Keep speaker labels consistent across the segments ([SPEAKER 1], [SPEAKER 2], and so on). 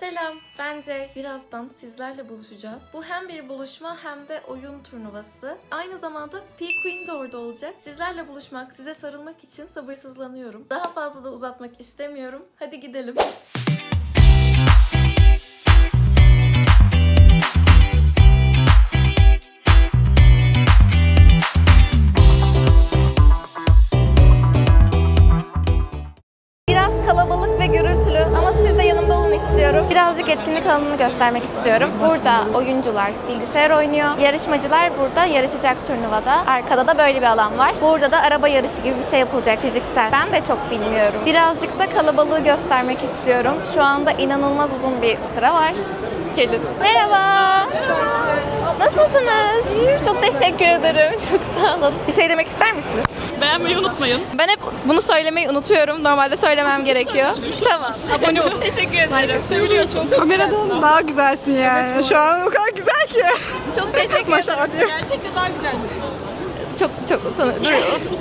[SPEAKER 1] Selam, ben Cey. Birazdan sizlerle buluşacağız. Bu hem bir buluşma hem de oyun turnuvası. Aynı zamanda P-Queen de orada olacak. Sizlerle buluşmak, size sarılmak için sabırsızlanıyorum. Daha fazla da uzatmak istemiyorum. Hadi gidelim. Kalabalık ve gürültülü ama siz de yanımda olun istiyorum. Birazcık etkinlik alanını göstermek istiyorum. Burada oyuncular bilgisayar oynuyor. Yarışmacılar burada yarışacak turnuvada. Arkada da böyle bir alan var. Burada da araba yarışı gibi bir şey yapılacak fiziksel. Ben de çok bilmiyorum. Birazcık da kalabalığı göstermek istiyorum. Şu anda inanılmaz uzun bir sıra var. Gelin. Merhaba. Nasılsınız? Çok teşekkür ederim. Çok sağ olun. Bir şey demek ister misiniz?
[SPEAKER 2] Beğenmeyi unutmayın.
[SPEAKER 1] Ben hep bunu söylemeyi unutuyorum. Normalde söylemem gerekiyor. Tamam. Abone ol. Teşekkür ederim.
[SPEAKER 2] Söylüyorsun.
[SPEAKER 3] Kameradan daha güzelsin yani. Evet, şu an o kadar güzel ki.
[SPEAKER 1] Çok teşekkür ederim.
[SPEAKER 3] Maşallah diye.
[SPEAKER 2] Gerçekten daha güzel misin?
[SPEAKER 1] Çok utanıyorum. Dur.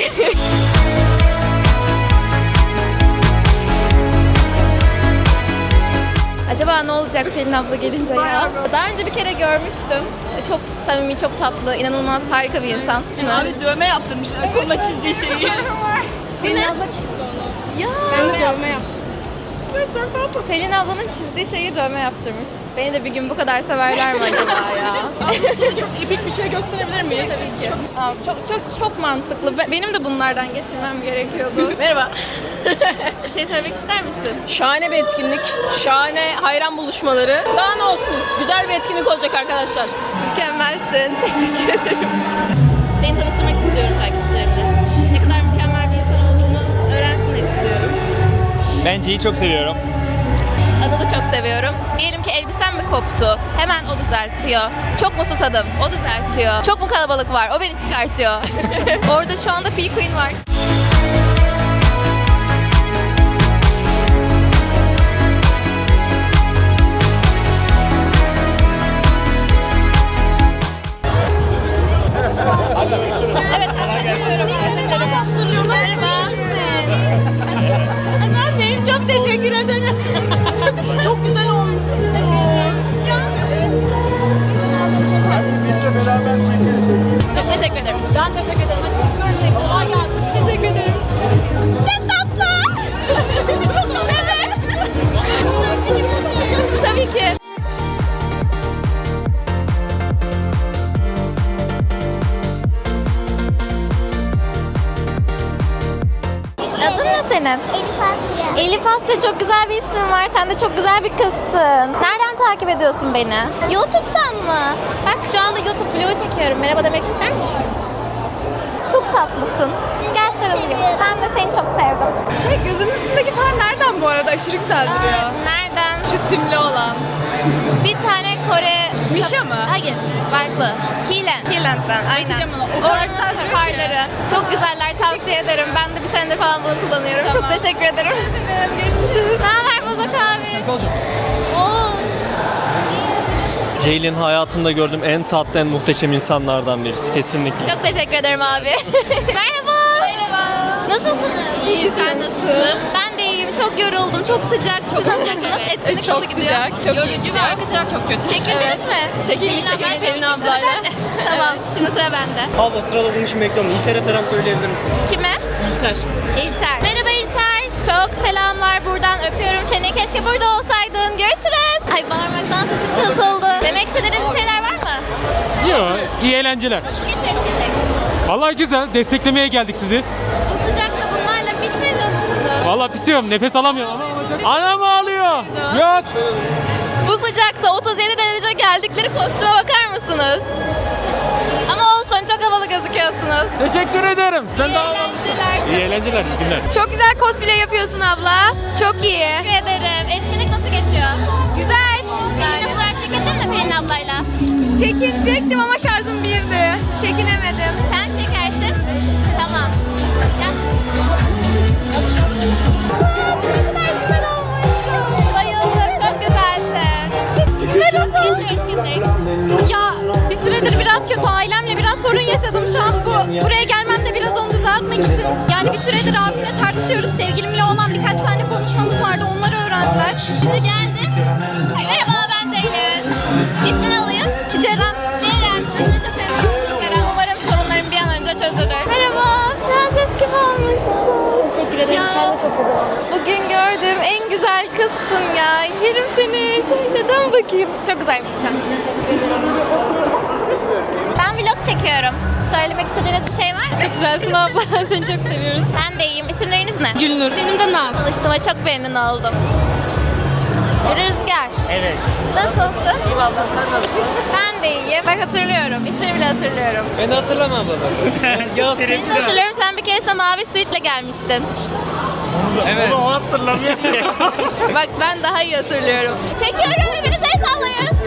[SPEAKER 1] Acaba ne olacak Pelin abla gelince ya? Daha önce bir kere görmüştüm. Çok samimi, çok tatlı, inanılmaz harika bir insan. Değil mi?
[SPEAKER 2] Abi dövme yaptırmışlar. Koluna çizdiği şeyi.
[SPEAKER 1] Pelin abla çizdi onu. Ya. Ben de dövme yaptım.
[SPEAKER 3] Çok tatlı.
[SPEAKER 1] Pelin ablanın çizdiği şeyi dövme yaptırmış. Beni de bir gün bu kadar severler mi acaba ya?
[SPEAKER 2] Çok epik bir şey gösterebilir miyiz?
[SPEAKER 1] Tabii ki. Aa, çok mantıklı. Benim de bunlardan getirmem gerekiyordu. Merhaba. Bir şey söylemek ister misin?
[SPEAKER 4] Şahane bir etkinlik, şahane hayran buluşmaları. Daha ne olsun? Güzel bir etkinlik olacak arkadaşlar.
[SPEAKER 1] Mükemmelsin. Teşekkür ederim. Seni tanıştırmak istiyorum takipçilerimle. Ne kadar mükemmel bir insan olduğunu öğrensinler istiyorum.
[SPEAKER 5] Ben C'yi çok seviyorum.
[SPEAKER 1] Anıl'ı çok seviyorum. Diyelim ki elbisem mi koptu? Hemen o düzeltiyor. Çok mu susadım? O düzeltiyor. Çok mu kalabalık var? O beni çıkartıyor. Orada şu anda P-Queen var. Evet,
[SPEAKER 2] Annem çok teşekkür ederim. Çok güzel olmuş.
[SPEAKER 1] çok teşekkür ederim.
[SPEAKER 2] Ben teşekkür ederim. Aşkım. Kolay gelsin.
[SPEAKER 1] Teşekkür ederim. Çok tatlı. Çok tatlı. Tabii ki. Adın ne senin?
[SPEAKER 6] Elif Asya.
[SPEAKER 1] Elif Asya, çok güzel bir ismin var. Sen de çok güzel bir kızsın. Nereden takip ediyorsun beni? YouTube'dan mı? Bak şu anda YouTube vlogu çekiyorum. Merhaba demek ister misin? Çok tatlısın. Gel sarılayım. Ben de seni çok sevdim.
[SPEAKER 3] Gözünün üstündeki far nereden bu arada? Aşırı güzel duruyor.
[SPEAKER 1] Nereden?
[SPEAKER 3] Şu simli olan.
[SPEAKER 1] Bir tane Kore...
[SPEAKER 3] Mişa mı?
[SPEAKER 1] Hayır, farklı. Keeland'den, aynen.
[SPEAKER 3] Bakacağım ona. O kadar güzel
[SPEAKER 1] Oranın
[SPEAKER 3] duruyor ki.
[SPEAKER 1] farları. Çok güzeller, tavsiye ederim. Ben de bir senedir falan bunu kullanıyorum. Çok teşekkür ederim. Görüşürüz. Ne haber Bozok abi? Oo.
[SPEAKER 5] Ceylin hayatımda gördüğüm en tatlı, en muhteşem insanlardan birisi. Kesinlikle.
[SPEAKER 1] Çok teşekkür ederim abi. Merhaba. Merhaba. Nasılsınız?
[SPEAKER 4] İyi, sen nasılsın?
[SPEAKER 1] Ben de iyiyim. Çok yoruldum. Çok sıcak. Siz nasılsınız? Etkinlik
[SPEAKER 4] Çok
[SPEAKER 1] nasıl gidiyor?
[SPEAKER 4] sıcak, çok iyi
[SPEAKER 2] Yorucu ve
[SPEAKER 4] gidiyor.
[SPEAKER 2] arka taraf çok kötü.
[SPEAKER 1] Çekildiniz mi?
[SPEAKER 4] Çekildik Pelin ablayla.
[SPEAKER 1] Tamam. Şimdi sıra bende.
[SPEAKER 7] Abla sırada bunun için bekliyorum. İlter'e selam söyleyebilir misin?
[SPEAKER 1] Kime?
[SPEAKER 7] İlter.
[SPEAKER 1] İlter. Merhaba İlter. Çok selamlar buradan. Öpüyorum seni. Keşke burada olsaydın. Görüşürüz. Ay bağırmaktan sesim kısıldı. Demek istediğiniz bir şeyler var mı?
[SPEAKER 8] Yok, iyi eğlenceler.
[SPEAKER 1] Nasıl geçiyor etkinlik?
[SPEAKER 8] Vallahi güzel, desteklemeye geldik sizi.
[SPEAKER 1] Bu sıcakta bunlarla pişmedi musunuz?
[SPEAKER 8] Vallahi pisiyorum, nefes alamıyorum ama olacak. Anam ağlıyor. Yok.
[SPEAKER 1] Bu sıcakta 37 derece geldikleri kostüme bakar mısınız? Ama olsun, çok havalı gözüküyorsunuz.
[SPEAKER 8] Teşekkür ederim. Sen de
[SPEAKER 1] Eğlenceler.
[SPEAKER 8] İyi eğlenceler, iyi günler.
[SPEAKER 1] Çok güzel cosplay yapıyorsun abla. Çok iyi. Teşekkür ederim. Etkinlik nasıl geçiyor? Güzel. Pelin abla çekildin mi Pelin ablayla? Çekilecektim ama şarjım birdi. Çekinemedim. Sen çekersin. Tamam. Gel. Ne kadar güzel olmuşsun. Bayıldım. Çok güzelsin. Güzel olsun etkinlik. Ya bir süredir biraz kötü. Ailemle biraz sorun yaşadım şu an. Buraya gelmem de biraz onu düzeltmek için. Yani bir süredir abimle tartışıyoruz. Sevgilimle olan birkaç tane konuşmamız vardı. Onları öğrendiler. Şimdi geldim. Merhaba, ben Ceylin. İsmini alayım. Ceren. Ceren, tanışmayı çok memnun. Ceren, umarım sorunlarım bir an önce çözülür. Merhaba, prenses gibi olmuşsun.
[SPEAKER 2] Teşekkür ederim.
[SPEAKER 1] Ya.
[SPEAKER 2] Sen de çok güzel olmuşsun.
[SPEAKER 1] Bugün gördüğüm en güzel kızsın ya. Yerim seni. Neden bakayım? Çok güzelmişsin. Ben vlog çekiyorum. Söylemek istediğiniz bir şey var mı?
[SPEAKER 4] Çok güzelsin abla. Seni çok seviyoruz.
[SPEAKER 1] Ben de iyiyim. İsimleriniz ne?
[SPEAKER 4] Gülnur. Benim de Naz.
[SPEAKER 1] Tanıştığıma çok memnun oldum. Rüzgar.
[SPEAKER 7] Evet.
[SPEAKER 1] Nasılsın?
[SPEAKER 7] İyi ablam sen nasılsın?
[SPEAKER 1] Ben de iyiyim. Bak hatırlıyorum. İsmini bile hatırlıyorum.
[SPEAKER 5] Ben de hatırlamam abla. Yaz.
[SPEAKER 1] Seni de hatırlıyorum. Sen bir keresinde mavi suitle gelmiştin.
[SPEAKER 5] Evet.
[SPEAKER 7] O hatırlamıyor ki.
[SPEAKER 1] Bak ben daha iyi hatırlıyorum. Çekiyorum. Hepiniz el sallayın.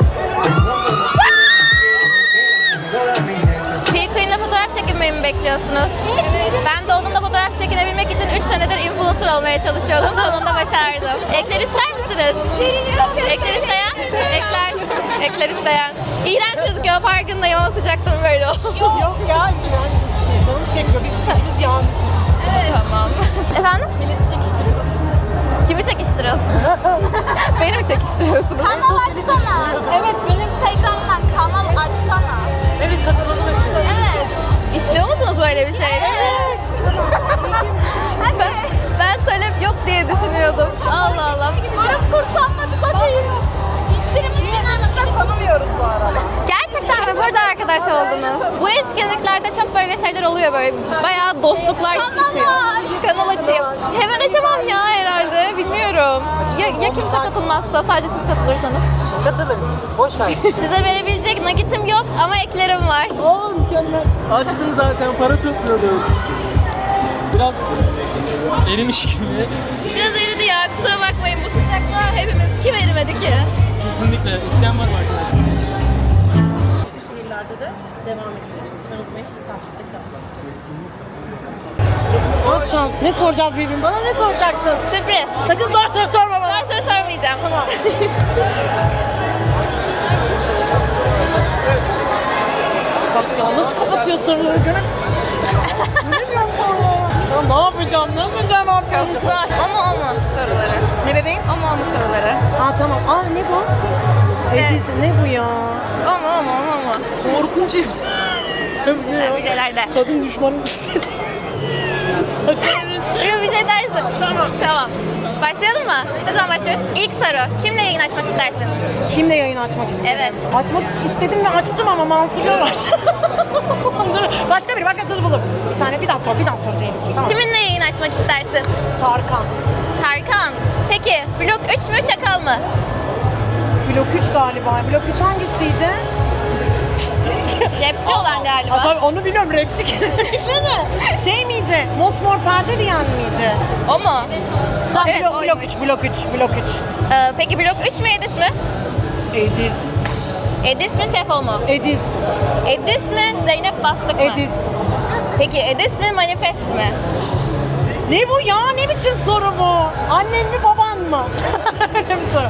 [SPEAKER 1] P-Queen'le fotoğraf çekinmeyi mi bekliyorsunuz? Ben de onunla fotoğraf çekinebilmek için 3 senedir influencer olmaya çalışıyordum. Sonunda başardım. Ekler ister misiniz? Ekler isteyen? Ekler isteyen. İğrenç gözüküyor farkındayım ama sıcaktan böyle oldu.
[SPEAKER 2] Yok ya. Canımız çekmiyor. Biz işimiz yağmışız.
[SPEAKER 1] Tamam. Efendim?
[SPEAKER 4] Milleti çekiştiriyoruz.
[SPEAKER 1] Kimi çekiştiriyorsunuz? Beni mi çekiştiriyorsunuz? Kanal açsana. Evet, benim Instagram'dan kanal açsana.
[SPEAKER 2] Evet, katılalım.
[SPEAKER 1] Evet. İstiyor musunuz böyle bir şey? Evet. ben talep yok diye düşünüyordum. Allah Allah. Grup kursam da biz okeyiz. Hiçbirimiz birbirimizden tanımıyoruz bu arada. Gerçekten mi? Burada arkadaş oldunuz. Bu etkinliklerde çok böyle şeyler oluyor böyle. Bayağı dostluklar çıkıyor. Kanal açayım. Hemen açamam ya herhalde. Bilmiyorum. Ya kimse katılmazsa, sadece siz katılırsanız.
[SPEAKER 2] Katılırız. Boş ver.
[SPEAKER 1] Size verebilecek nakitim yok ama eklerim var.
[SPEAKER 8] Oo mükemmel. Açtım zaten para topluyordum. Biraz erimiş gibi.
[SPEAKER 1] Biraz eridi ya. Kusura bakmayın bu sıcakta hepimiz kim erimedi ki?
[SPEAKER 8] Kesinlikle. İsteyen var mı arkadaşlar?
[SPEAKER 2] Şehirlerde de devam edeceğiz. Lütfen unutmayın. Takipte kalın. Ne yapacağız? Ne soracağız birbirine? Bana ne soracaksın?
[SPEAKER 1] Sürpriz.
[SPEAKER 2] Sakın zor soru sorma bana.
[SPEAKER 1] Zor soru sormayacağım. Tamam.
[SPEAKER 2] Bak ya nasıl kapatıyor soruları görün. Göremiyorum sonra. Ya ne yapacağım? Ne yapacağım?
[SPEAKER 1] Çok zor. O mu soruları?
[SPEAKER 2] Ne bebeğim?
[SPEAKER 1] O mu soruları?
[SPEAKER 2] Aa tamam. Aa ne bu?
[SPEAKER 1] İşte-
[SPEAKER 2] Edilse ne bu ya?
[SPEAKER 1] O mu?
[SPEAKER 2] Korkunç hepsi.
[SPEAKER 1] Bir şeyler de.
[SPEAKER 2] Kadın düşmanı.
[SPEAKER 1] Yok bir şey dersin. Tamam. Başlayalım mı? Ne zaman başlıyoruz? İlk soru. Kimle yayın açmak istersin?
[SPEAKER 2] Kimle yayın açmak istedim?
[SPEAKER 1] Evet.
[SPEAKER 2] Açmak istedim ve açtım ama Mansur'la var. Dur, başka biri, dur buldum. Bir saniye, bir daha sor Ceylin. Tamam.
[SPEAKER 1] Kiminle yayın açmak istersin?
[SPEAKER 2] Tarkan.
[SPEAKER 1] Tarkan. Peki blok 3 mü Çakal mı?
[SPEAKER 2] Blok 3 galiba. Blok 3 hangisiydi?
[SPEAKER 1] Rapçi olan galiba.
[SPEAKER 2] Aa, tabii onu biliyorum, rapçi ne? Şey miydi? Mosmor perde diyen miydi?
[SPEAKER 1] O mu?
[SPEAKER 2] Tamam,
[SPEAKER 1] Evet,
[SPEAKER 2] blok
[SPEAKER 1] oymuş.
[SPEAKER 2] 3.
[SPEAKER 1] Peki blok 3 mü Edis mi?
[SPEAKER 2] Edis.
[SPEAKER 1] Edis mi Sefo mu?
[SPEAKER 2] Edis.
[SPEAKER 1] Edis mi Zeynep Bastık mı?
[SPEAKER 2] Edis.
[SPEAKER 1] Peki Edis mi Manifest mi?
[SPEAKER 2] Ne bu ya? Ne biçim soru bu? Annen mi baban mı? Öyle bir soru.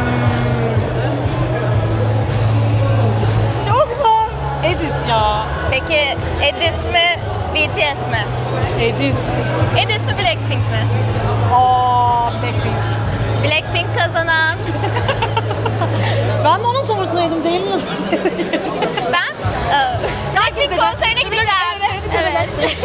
[SPEAKER 2] Çok zor. Edis ya.
[SPEAKER 1] Peki Edis mi BTS mi?
[SPEAKER 2] Edis.
[SPEAKER 1] Edis mi Blackpink mi?
[SPEAKER 2] Aa, Blackpink.
[SPEAKER 1] Blackpink kazanan.
[SPEAKER 2] Ben de onun sorusundaydım. Ceylin'in sorusundaydım.
[SPEAKER 1] Ben Blackpink konserine gideceğim. Evet.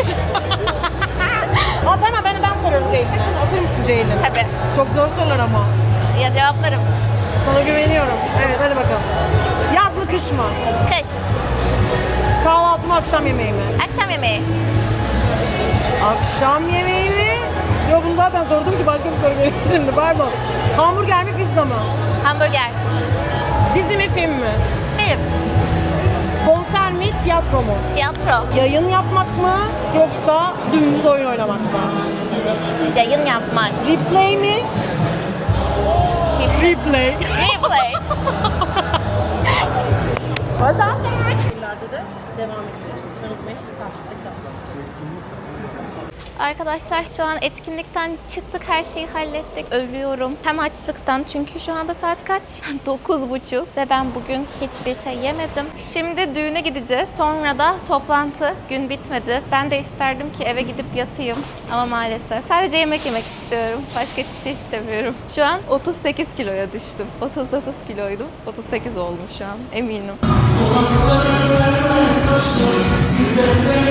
[SPEAKER 2] Aa, tamam ben soruyorum Ceylin'e. Hazır mısın Ceylin?
[SPEAKER 1] Tabii.
[SPEAKER 2] Çok zor sorular ama.
[SPEAKER 1] Ya cevaplarım.
[SPEAKER 2] Sana güveniyorum. Evet hadi bakalım. Yaz mı kış mı?
[SPEAKER 1] Kış.
[SPEAKER 2] Kahvaltı mı akşam yemeği mi?
[SPEAKER 1] Akşam yemeği.
[SPEAKER 2] Akşam yemeği mi? Yok bunu zaten sordum ki başka bir soru geliyor şimdi pardon. Hamburger mi pizza mı?
[SPEAKER 1] Hamburger.
[SPEAKER 2] Dizi mi film mi?
[SPEAKER 1] Film.
[SPEAKER 2] Konser mi tiyatro mu?
[SPEAKER 1] Tiyatro.
[SPEAKER 2] Yayın yapmak mı yoksa dümdüz oyun oynamak mı?
[SPEAKER 1] Yayın yapmak.
[SPEAKER 2] Replay mi? Replay.
[SPEAKER 1] Replay.
[SPEAKER 2] Başar. Şehirlerde de devam edeceğiz. Lütfen unutmayın. Takipte kalın.
[SPEAKER 1] Arkadaşlar şu an etkinlikten çıktık, her şeyi hallettik. Ölüyorum. Hem açlıktan, çünkü şu anda saat kaç? 9:30 ve ben bugün hiçbir şey yemedim. Şimdi düğüne gideceğiz. Sonra da toplantı. Gün bitmedi. Ben de isterdim ki eve gidip yatayım ama maalesef. Sadece yemek yemek istiyorum. Başka hiçbir şey istemiyorum. Şu an 38 kiloya düştüm. 39 kiloydum. 38 oldum şu an. Eminim.